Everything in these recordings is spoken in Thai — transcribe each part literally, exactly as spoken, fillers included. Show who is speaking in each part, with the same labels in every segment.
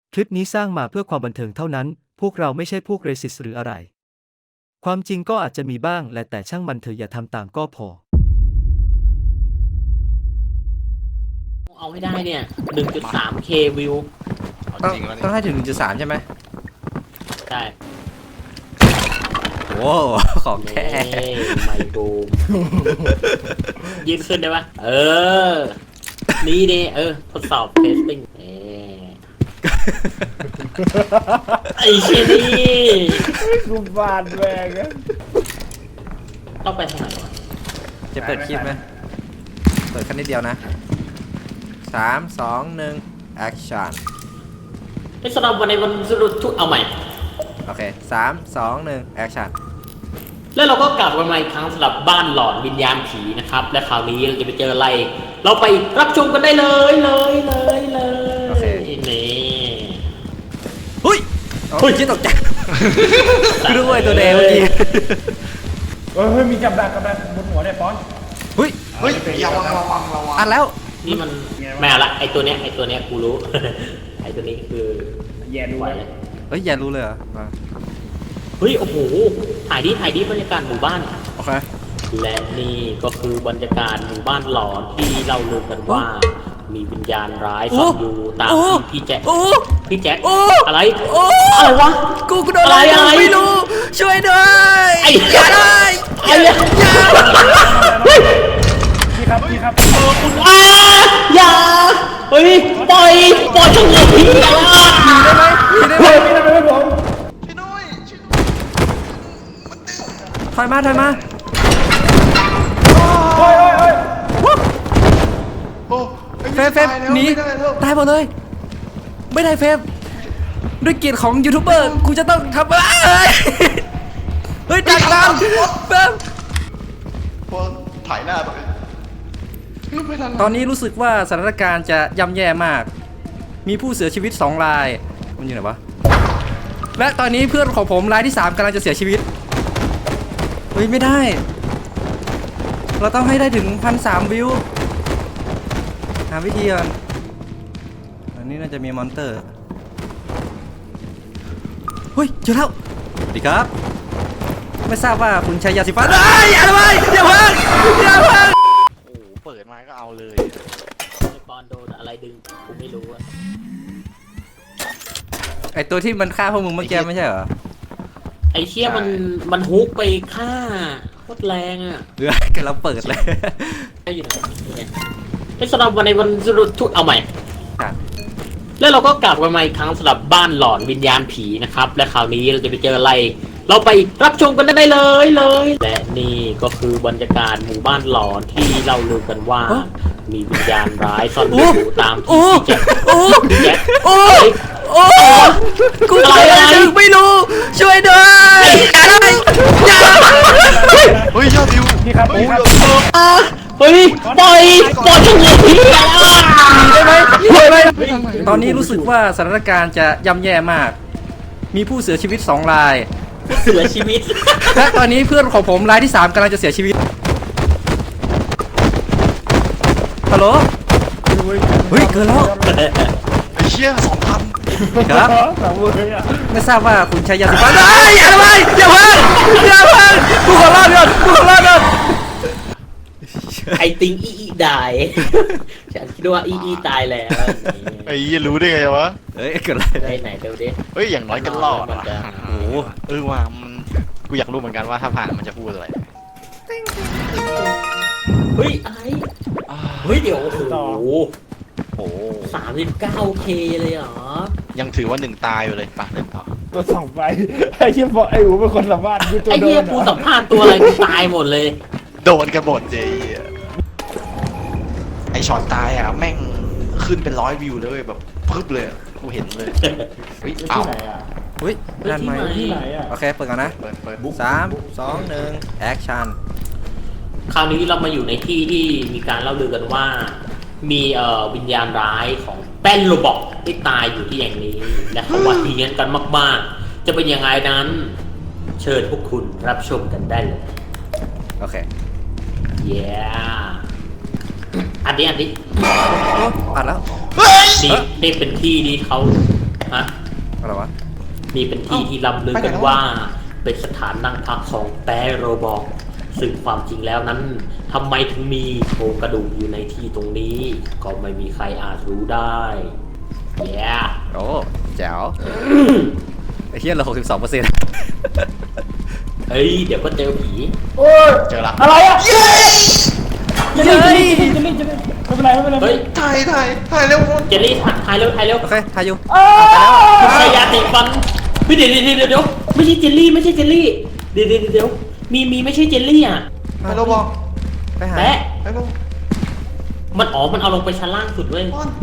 Speaker 1: คลิปนี้สร้างมาเพื่อความบันเทิงเท่านั้นพวกเราไม่ใช่พวกเรสิสหรืออะไรความจริงก็อาจจะมีบ้างและแต่ช่างมันเถอะอย่าทำตามก็พอ
Speaker 2: เอาให้ได้เนี่ย หนึ่งจุดสามเค วิว
Speaker 3: ต้องต้องให้ถึง หนึ่งจุดสาม ใช่ไหม
Speaker 2: ใช่
Speaker 3: โอ้ของแท้
Speaker 2: ไมโครยืนขึ้นได้ปะเออ นี่ดิเออ ทดสอบเทสติ้งเอไอ้เชี่ยนี่
Speaker 4: กูบาดแวงอะ
Speaker 2: ต้องไปทางไหนวะ
Speaker 3: จะเปิดคลิปไหมเปิดแค่นิดเดียวนะสามสองหนึ่งแอคชั่น
Speaker 2: ไอ้สำหรับวันในวันสรุปทุกเอาใหม่
Speaker 3: โอเคสามสองหนึ่งแอคชั่น
Speaker 2: แล้วเราก็กลับกันมาอีกครั้งสำหรับบ้านหลอนวิญญาณผีนะครับ และคราวนี้เราจะไปเจออะไร เราไปรับชมกันได้เลยเลยเลยเลย
Speaker 3: โอเค
Speaker 2: นี่
Speaker 3: เฮ้ยเฮ้ยคิดตกใจกูรู้ไอ้ตัวแดงเมื่อกี้
Speaker 4: เฮ้ยเฮ้ยมีกับดักกับดักบนหัวเนี่ยป้อน
Speaker 3: เฮ้ย
Speaker 5: เฮ้ยอย่าระวังระวังระวัง
Speaker 3: อัดแล้ว
Speaker 2: นี่มันแม่ละไอตัวเนี้ยไอตัวเนี้ยกูรู้ ไอตัวนี้คือ
Speaker 4: แย่ดู
Speaker 2: ไหว
Speaker 4: เลย
Speaker 2: เลย
Speaker 3: เฮ้ยอย่ารู้เลยเหรออ่ะ
Speaker 2: เฮ้ยโอ้โหถ่ายดิถ่ายดิบรรยากาศหมู่บ้าน
Speaker 3: โอเค
Speaker 2: และนี่ก็คือบรรยากาศหมู่บ้านหลอนที่เราลือกันว่า มีวิญญาณร้ายซ่อนอยู่ตามที่พี่แจ็ค
Speaker 3: โอ้
Speaker 2: พี่แจ็ค
Speaker 3: โอ้
Speaker 2: อะไร
Speaker 3: โอ้
Speaker 2: อะไรวะ
Speaker 3: กูกูโดนอะไร
Speaker 2: อะไร
Speaker 3: ไม่รู้ช่วยด้วย
Speaker 2: ไอ้
Speaker 3: อย่าได้
Speaker 2: ไอ้เนี่ย
Speaker 4: พี่ครับพี่ครับ
Speaker 2: อ้าอย่าเฮ้ยปล่อยปล่อยฉันเลยพี่อ่ะ
Speaker 3: ได้ไหม
Speaker 4: พี่ทำไมไม่ผม
Speaker 5: ช่วยด้วยช่วยด้วย
Speaker 3: ถอยมาถอยมา
Speaker 4: โอ้ยโอ้ยโอ้ย
Speaker 5: โอ้ไอ้
Speaker 3: เฟฟเฟฟ
Speaker 5: ตายแล้ว
Speaker 3: หนี
Speaker 5: ไม่ได้แล้ว
Speaker 3: ตายหมดเลย ไม่ได้เฟฟด้วยเกียรติของยูทูบเบอร์กูจะต้องทำอะไรเฮ้ยดักตามเฟฟ
Speaker 5: พอถ่ายหน้าไปไม่ทัน
Speaker 3: ตอนนี้รู้สึกว่าสถานการณ์จะย่ำแย่มาก มีผู้เสียชีวิตสองรายมันอยู่ไหนวะและตอนนี้เพื่อนของผมรายที่สามกำลังจะเสียชีวิตเฮ้ยไม่ได้ เราต้องให้ได้ถึงพันสามวิวหาวิธีก่อนอันนี้น่าจะมีมอนเตอร์เฮ้ยเจอแล้วสวัสดีครับไม่ทราบว่าคุณใช้ยาสีฟันเอ้ยอย่าทำไมอย่าเพิ่งอย่าเพิ่ง
Speaker 5: โอ้โหเปิดมาก็เอาเลย
Speaker 2: ไอ้ปอนโดนอะไรดึงกูไม่รู้อะ
Speaker 3: ไอตัวที่มันฆ่าพวกมึงเมื่อกี้ไม่ใช่เหรอ
Speaker 2: ไอ้เชี่ยมันมันฮุกไปฆ่าโคตรแรงอ่ะ
Speaker 3: เออกันเราเปิดเลย
Speaker 2: ไอ้อยู่ไหนเนี่ยไอ้สำหรับวันในวันสรุปทุกเอาใหม่
Speaker 3: ครับ
Speaker 2: แล้วเราก็กลับกันมาอีกครั้งสำหรับบ้านหลอนวิญญาณผีนะครับ และคราวนี้เราจะไปเจออะไร เราไปรับชมกันได้เลยเลย และนี่ก็คือบรรยากาศหมู่บ้านหลอนที่เราลือกันว่า มีวิญญาณร้ายซ่อนอยู่ตามที่พี่แจ็ค
Speaker 3: โอ้
Speaker 2: พี่แจ็ค
Speaker 3: โอ้โอ้กู
Speaker 2: อะไรอะไร
Speaker 3: ไม่รู้ช่วยด้วยอย่าได้อย่า
Speaker 5: เฮ้ยยอดวิว
Speaker 4: พี่ครับพี่ครับ
Speaker 2: อ่ะเฮ้ยปล่อยปล่อยฉันเลยพี่อ่ะ
Speaker 3: ได้ไหมช่วยไหมตอนนี้รู้สึกว่าสถานการณ์จะย่ำแย่มาก มีผู้เสียชีวิตสองราย
Speaker 2: เสียชีวิต
Speaker 3: และตอนนี้เพื่อนของผมรายที่สามกำลังจะเสียชีวิตฮัลโหลเฮ้ยเกินแล้ว
Speaker 5: ไอ้เชี่ยสองพัน
Speaker 3: ครับ
Speaker 4: สามมือเลยอ่ะ
Speaker 3: ไม่ทราบว่าคุณใช้ยาสีฟันเอ้ยอย่าทำไมอย่าเพิ่งอย่าเพิ่งกูขอรอดก่อนกูขอรอดก่อน
Speaker 2: ไอติงอีอีดายฉันคิดว่าอีอีตายแล้ว
Speaker 5: ไอ้ยี่รู้ได้ไงวะ
Speaker 3: เฮ้ยเกิดอะไร
Speaker 2: ไปไหนเดี๋ยวดิ
Speaker 5: เฮ้ยอย่างน้อยก็รอด
Speaker 2: มัน
Speaker 5: ว่ะ
Speaker 2: จะ
Speaker 3: โอ้โห
Speaker 5: เออว่ามันกูอยากรู้เหมือนกันว่าถ้าผ่านมันจะพูดอะไร
Speaker 2: เฮ้ยอะไรเฮ้ยเดี๋ยวโอ้โห
Speaker 5: โอ้โห
Speaker 2: สามสิบเก้าเคเลยเหรอ
Speaker 5: ยังถือว่าหนึ่งตายอยู่เลยป่ะเล่นต่อ
Speaker 4: ตัวสองไปไอ้เชี่ยบอกไอ้อูเป็นคนสัมภาษณ์กูตัว
Speaker 2: ไอ้
Speaker 4: โด
Speaker 2: เหี้ย
Speaker 4: น
Speaker 2: กูสัมภาษณ์ตัวอะไรกูตายหมดเลย
Speaker 5: โดนกันหมดเจ๊ไอช็อตตายอ่ะแม่งขึ้นเป็นร้อยวิวเลยเว้ยแบบพึบเลยอะกูเห็นเลยเฮ้ย
Speaker 4: ที่
Speaker 5: เอ้า
Speaker 4: ไหนอ่ะ
Speaker 3: เฮ้ยนั่นไหม
Speaker 4: ที่ไหนอ่ะ
Speaker 3: โอเคเปิดก่อนนะ
Speaker 5: เปิดเปิด
Speaker 3: สามสองหนึ่งแอคชั่น
Speaker 2: คราวนี้เรามาอยู่ในที่ที่มีการเล่าลือกันว่า มีเอ่อวิญญาณร้ายของแป้นโรบอกที่ตายอยู่ที่แห่งนี้ และเขาว่าทีเงี้ยกันมากๆ จะเป็นยังไงนั้น เชิญพวกคุณรับชมกันได้เลย
Speaker 3: โอเค
Speaker 2: เย้อันนี้อันนี้
Speaker 3: โอ้อัดแล้ว
Speaker 5: เฮ้ย
Speaker 2: นี่นี่เป็นที่ที่เขาฮะ
Speaker 3: อะไรวะ
Speaker 2: นี่เป็นที่ที่ล่ำลือกันว่า เป็นสถานนั่งพักของแปรโรบอกซึ่งความจริงแล้วนั้นทำไมถึงมีโครงกระดูกอยู่ในที่ตรงนี้ ก็ไม่มีใครอาจรู้ได้แย่
Speaker 3: โอ้แจ๋วไอ้เหี้ยเหลือหกสิบสองเปอร์เซ็นต์
Speaker 2: เฮ้ย เดี๋ยวก็เจอผี
Speaker 4: โอ้ย
Speaker 5: เจอละ
Speaker 4: อะไรอ่ะ
Speaker 3: เย้ย
Speaker 4: จะรีบจะรีบจะรีบไม่เป็นไรไม่เป็นไร
Speaker 2: เฮ้ย
Speaker 5: ถ่ายถ่ายถ่ายเร็ว
Speaker 2: เจลลี่ถ่ายเร็วถ่ายเร็ว
Speaker 3: โอเคทายอยู่
Speaker 4: อ้าว
Speaker 2: ใช้ยาสีฟันเฮ้ยเดี๋ยวเดี๋ยวเดี๋ยวเดี๋ยวไม่ใช่เจลลี่ไม่ใช่เจลลี่เดี๋ยวเดี๋ยวเดี๋ยวมีมีไม่ใช่เจลลี่อ่ะ
Speaker 5: ไปเราบอก
Speaker 3: ไปหา
Speaker 2: แปะ
Speaker 5: ไปเรา
Speaker 2: มันอ๋อมันเอาลงไปชั้นล่างสุดเว้ย
Speaker 5: บอล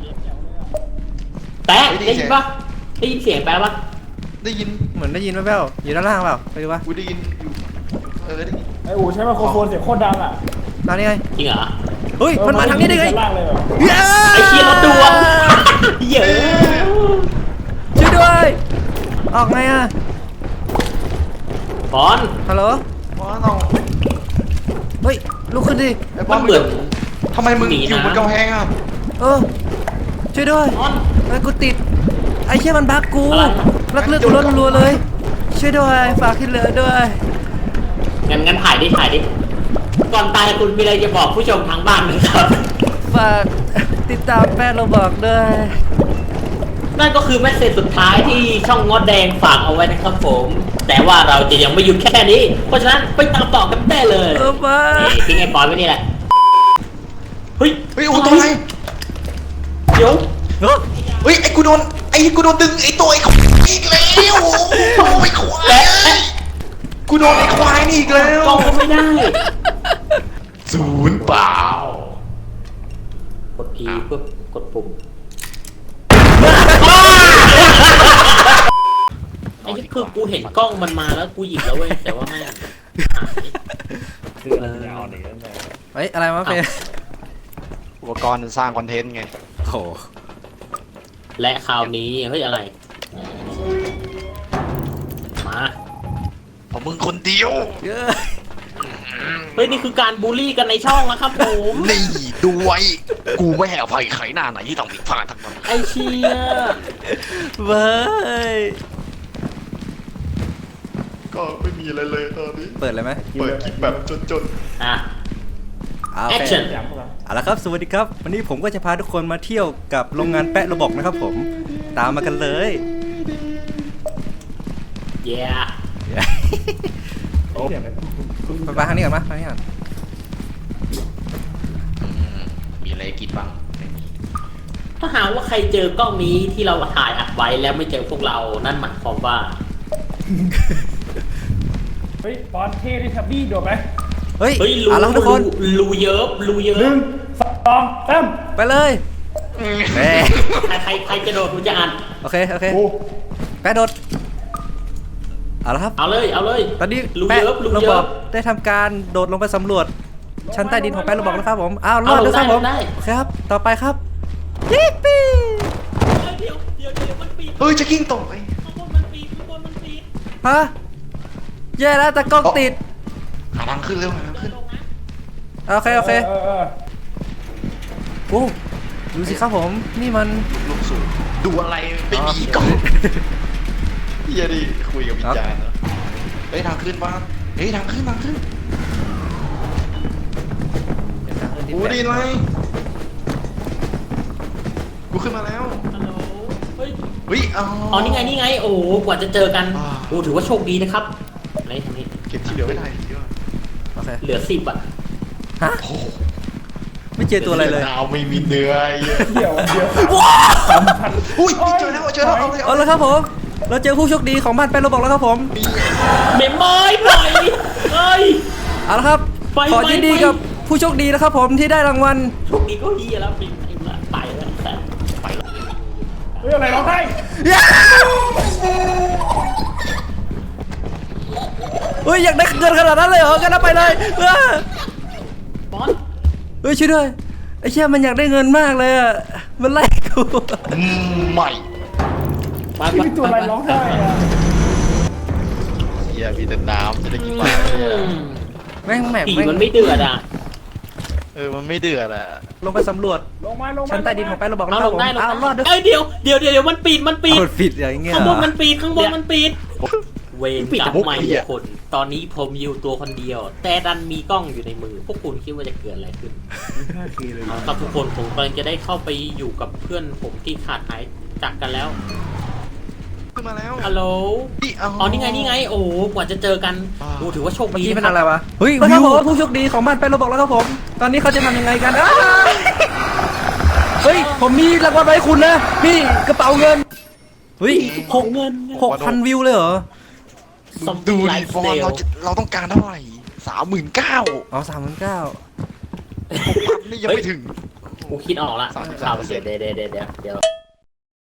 Speaker 2: แปะ
Speaker 5: ไม่ได้
Speaker 2: ได้
Speaker 5: ยิ
Speaker 2: ยิ
Speaker 5: น
Speaker 2: นปะได้ยินเสียงแปะปะ
Speaker 5: ได้ยิน
Speaker 3: เหมือนได้ยินแว่วๆอยู่ด้านล่างเปล่าไปดูวะ
Speaker 5: กูได้ยินอยู่เออได้ยิน
Speaker 4: ไอ้อู๋ใช้ไมโครโฟนเสียงโคตรดังอ่ะ
Speaker 3: ตอนนี้ไง
Speaker 2: จริงเหรอ
Speaker 3: เฮ้ยมันมาทางนี้ได้ไง
Speaker 4: ชั้ล่างเลยแบบ
Speaker 3: เย้
Speaker 2: ไอ้เคียรถดวงเยอะ
Speaker 3: ช่วยด้วยออกไงอ่ะ
Speaker 2: บอล
Speaker 3: ฮัลโหล
Speaker 5: บอลเอา
Speaker 3: เฮ้ยลุกขึ้นดิ
Speaker 5: ไอ้บ
Speaker 2: มั
Speaker 5: อล
Speaker 2: นเหมือน
Speaker 5: ทำไมมึง
Speaker 2: หนี
Speaker 5: อยู่
Speaker 2: นะ
Speaker 5: บนกำแพงอ่ะ
Speaker 3: เออช่วยด้วย
Speaker 2: บอล
Speaker 3: ไอ้ยกูติดไอ้เชี่ยมันบักกู
Speaker 2: อะไร
Speaker 3: ลักเลือดกูล้นรัวๆเลยช่วยด้วยฝากที่เหลือด้วย
Speaker 2: งั้นงั้นถ่ายดิถ่ายดิก่อนตายคุณมีอะไรจะบอกผู้ชมทางบ้านไหมครับ
Speaker 3: ฝากติดตามแป้งเราบอกด้วย
Speaker 2: นั่นก็คือแมสเซจสุดท้ายที่ช่องงอดแดงฝากเอาไว้นะครับผม แต่ว่าเราจะยังไม่หยุดแค่นี้ เพราะฉะนั้นไปตามต่อกันได้เลย
Speaker 3: เออมา
Speaker 2: นี่ทิ้งไอ้ปอนไว้นี่แหละ เฮ้ย
Speaker 5: เฮ้ยอูตัวอะไร
Speaker 2: เดี๋ยว
Speaker 3: เฮ้ย
Speaker 5: เฮ้ยไอ้กูโดนไอ้กูโดนดึงไอ้ตัวไอ้ควายอีกแล้วโอ้ยควายเอ้ยกูโดนไอ้ควายนี่อีกแล้ว
Speaker 2: กล้องก็ไม่ได้
Speaker 5: ศูนย์เปล่าก
Speaker 2: ด E เพื่อกดปุ่มไอ้ที่คือกูเห็นกล้องมันมาแล้วกูหยิบแล้วเว้ยแต่ว่าแม่งหาย
Speaker 3: เฮ้ยอะไรวะเฟย
Speaker 5: อุปกรณ์สร้างคอนเทนต์ไง
Speaker 3: โอ้โห
Speaker 2: และคราวนี้เฮ้ยอะไร มา
Speaker 5: เพราะมึงคนเดียว
Speaker 3: เย้ย
Speaker 2: เฮ้ยนี่คือการบูลลี่กันในช่องนะครับผม
Speaker 5: นี่ดูไว้กูไม่ให้อภัยใครหน้าไหนที่ทำผิดพลาดทั้งนั้น
Speaker 2: ไอเชีย
Speaker 3: เว้ย
Speaker 5: ก็ไม่มีอะไรเลยตอนนี้
Speaker 3: เปิดเลยไหม
Speaker 5: เปิดคลิปแบบจน
Speaker 2: อ่ะ
Speaker 3: เอาโอเค
Speaker 2: Action
Speaker 4: อยากพวกเรา
Speaker 3: เอาละครับสวัสดีครับ วันนี้ผมก็จะพาทุกคนมาเที่ยวกับโรงงานแปะระบอกนะครับผมตามมากันเลย
Speaker 2: เย้
Speaker 4: เสียงเลย
Speaker 3: ไปไปทางนี้ก่อนมาทางนี้ก่อน
Speaker 5: ๆมีอะไรกินบ้างไม่มี
Speaker 2: ถ้าหากว่าใครเจอกล้องนี้ที่เราถ่ายอัดไว้แล้วไม่เจอพวกเรา นั่นหมายความว่า
Speaker 4: เฮ้ยบอลเท่ดิทับบี้โดดไหม
Speaker 3: เฮ้ย
Speaker 2: เฮ้ยรู
Speaker 3: เอาละครับทุกคน
Speaker 2: รูเยิบรูเยิ
Speaker 4: หนึ่
Speaker 2: บ
Speaker 4: งสองสาม
Speaker 3: ไปเลยเฮ้ย
Speaker 2: ใครใครใครจะโดดกูจะอ่าน
Speaker 3: โอเคโอเค
Speaker 4: กู
Speaker 3: แปะโดดเอาละครับ
Speaker 2: เอาเลยเอาเลย
Speaker 3: ตอนนี้
Speaker 2: รู
Speaker 3: แปะ
Speaker 2: เยิบรู
Speaker 3: ระ
Speaker 2: เยิ
Speaker 3: บอบ กได้ทำการโดดลงไปสำรวจ ชั้นใต้ดินของแปะระบอกแล้วครับผมอ้าวรอด
Speaker 2: เอาลง
Speaker 3: ด้วยครับผม
Speaker 2: ได้
Speaker 3: โอเคครับต่อไปครับยิปปี้
Speaker 2: เดี๋ยวเดี๋ยวเดี๋ยวมันปีน
Speaker 5: เฮ้ยจะกิ้งตกไอ้
Speaker 2: ข้างบนมันปีนข้างบนมันปีน
Speaker 3: ฮะแย่แล้วแต่กล้องติด
Speaker 5: หาทางขึ้นเร็วหาทางขึ้น
Speaker 3: โอเคโอเค
Speaker 4: เออเออ
Speaker 3: โอ้ดูสิครับผมนี่มัน
Speaker 5: ลูกสูงดูอะไรไม่มีกล้องเฮียดิคุยกับวิญญาณเหรอเฮ้ยทางขึ้นบ้างเฮ้ยทางขึ้นทางขึ้นกูไดีไหมกูขึ้นมาแล้ว
Speaker 2: ฮัลโหลเฮ้ย
Speaker 5: เฮ้ยอ๋อ
Speaker 2: อ๋อนี่ไงนี่ไง โอ้โหกว่าจะเจอกัน
Speaker 5: อ่า
Speaker 2: โอ้ถือว่าโชคดีนะครับไหนทางนี้
Speaker 5: เก็บที่เหลือไม่ได้เยอะ
Speaker 3: โอเค
Speaker 2: เหลือสิบอ่ะ
Speaker 3: ฮะ
Speaker 5: โอ้โห
Speaker 3: ไม่เจอตัวอะไรเลย
Speaker 5: ดาวไม่มีเนื้อไอ้เหี้ย
Speaker 4: เดี๋ยวเดี๋ยว
Speaker 5: อุ้ยเจอแล้วเจอแล้วเอาเลย
Speaker 3: เอาละครับผม เราเจอผู้โชคดีของบ้านแปะระบอกแล้วครับผม
Speaker 2: เมมมอยปล่อยเฮ้ย
Speaker 3: เอาละครับ
Speaker 2: ไป
Speaker 3: ขอ
Speaker 2: ไป
Speaker 3: ยินดี
Speaker 2: ไป
Speaker 3: กับผู้โชคดีนะครับผมที่ได้รางวัล
Speaker 2: โชคดีก็ดีแล้วไปไปละไปแล้วแต่
Speaker 5: ไปแล้ว
Speaker 4: เฮ้ยอะไรร้องไห้
Speaker 3: เฮ้ยอยากได้เงินขนาดนั้นเลยเหรอกันเอาไปเลยเออบ
Speaker 2: อล
Speaker 3: เฮ้ยช่วยด้วยไอ้เชี่ยมันอยากได้เงินมากเลยอ่ะมันไล่กู
Speaker 5: อืมใหม่
Speaker 2: ไป
Speaker 4: ที่มีตัวอะไรร้องไห้อะ
Speaker 5: เฮียมีแต่น้ำจะได้กินปลา
Speaker 2: อืม
Speaker 3: แม่งแหม่ง
Speaker 2: ผี
Speaker 3: แม่ง
Speaker 2: มันไม่เดือดอ่ะ
Speaker 5: เออมันไม่เดือดอะ
Speaker 3: ลงไปสำรวจ
Speaker 4: ลงมาลงมา
Speaker 3: ชั้นใต้ดินของไปเราบอก
Speaker 2: เอา
Speaker 3: แล้วค
Speaker 2: ล
Speaker 3: รับผม
Speaker 2: งได้ลง
Speaker 3: อ้าวรอดด้วย
Speaker 2: เอ้ยเดี๋ยวเดี๋ยวเดี๋ยวเดี๋ยวมันปิดมันปิด
Speaker 3: กดผิดอย่างเงี้ย
Speaker 2: ข้าง
Speaker 3: เห
Speaker 2: บ
Speaker 3: ร
Speaker 2: น
Speaker 3: อ
Speaker 2: มันปิดข้างบนมันปิด เวร
Speaker 5: ปิด
Speaker 2: กรร
Speaker 5: แต่
Speaker 2: ม
Speaker 5: พวก
Speaker 2: ใหม่
Speaker 5: ไอ้เหี้ย
Speaker 2: คน ตอนนี้ผมอยู่ตัวคนเดียว แต่ดันมีกล้องอยู่ในมือ พวกคุณคิดว่าจะเกิดอะไรขึ้น
Speaker 4: ห้าทีเลย
Speaker 2: เอาครับทุกคนผมกำลังจะได้เข้าไปอยู่กับเพื่อนผมที่ขาดหายจากกันแล้ว
Speaker 5: ขึ้นมาแล้ว
Speaker 2: ฮัลโหล
Speaker 5: นี่
Speaker 2: อ๋อนี่ไงนี่ไง โอ้โหกว่าจะเจอกัน
Speaker 5: อ่า
Speaker 2: โอ้ถือว่าโชค
Speaker 3: เมื่อ
Speaker 2: ดี
Speaker 3: กี้เป็น
Speaker 2: นะค
Speaker 3: อะไร
Speaker 2: รับ
Speaker 3: วะเฮ้ยวิวผู้โชคดีของบ้านไปเราบอกแล้วครับผม ตอนนี้เขาจะทำยังไงกันอ้าวเฮ้ยผมมีรางวัลไว้ให้คุณนะนี่กระเป๋าเงินเฮ้ยหก
Speaker 2: เงิน
Speaker 3: หกพันวิวเลยเหรอ
Speaker 2: ซอม
Speaker 5: ดู
Speaker 2: บี้ไล
Speaker 5: ดิ
Speaker 2: ฟ์
Speaker 5: ฟอน
Speaker 2: สไตล์
Speaker 5: เราจะเราต้องการเท่าไหร่สามหมื่นเก้า
Speaker 3: อ๋อสามหมื่นเก้า
Speaker 5: พันนี่ยังไม่ถึง
Speaker 2: กูคิดออกละ
Speaker 5: สามสิบ
Speaker 2: ข่า
Speaker 5: สาว มเปอร์เซ็
Speaker 2: เดี๋ย
Speaker 5: น
Speaker 2: ว
Speaker 5: ต์
Speaker 2: เดี๋ยวเดี๋ยวเดี๋ยวเดี๋ยว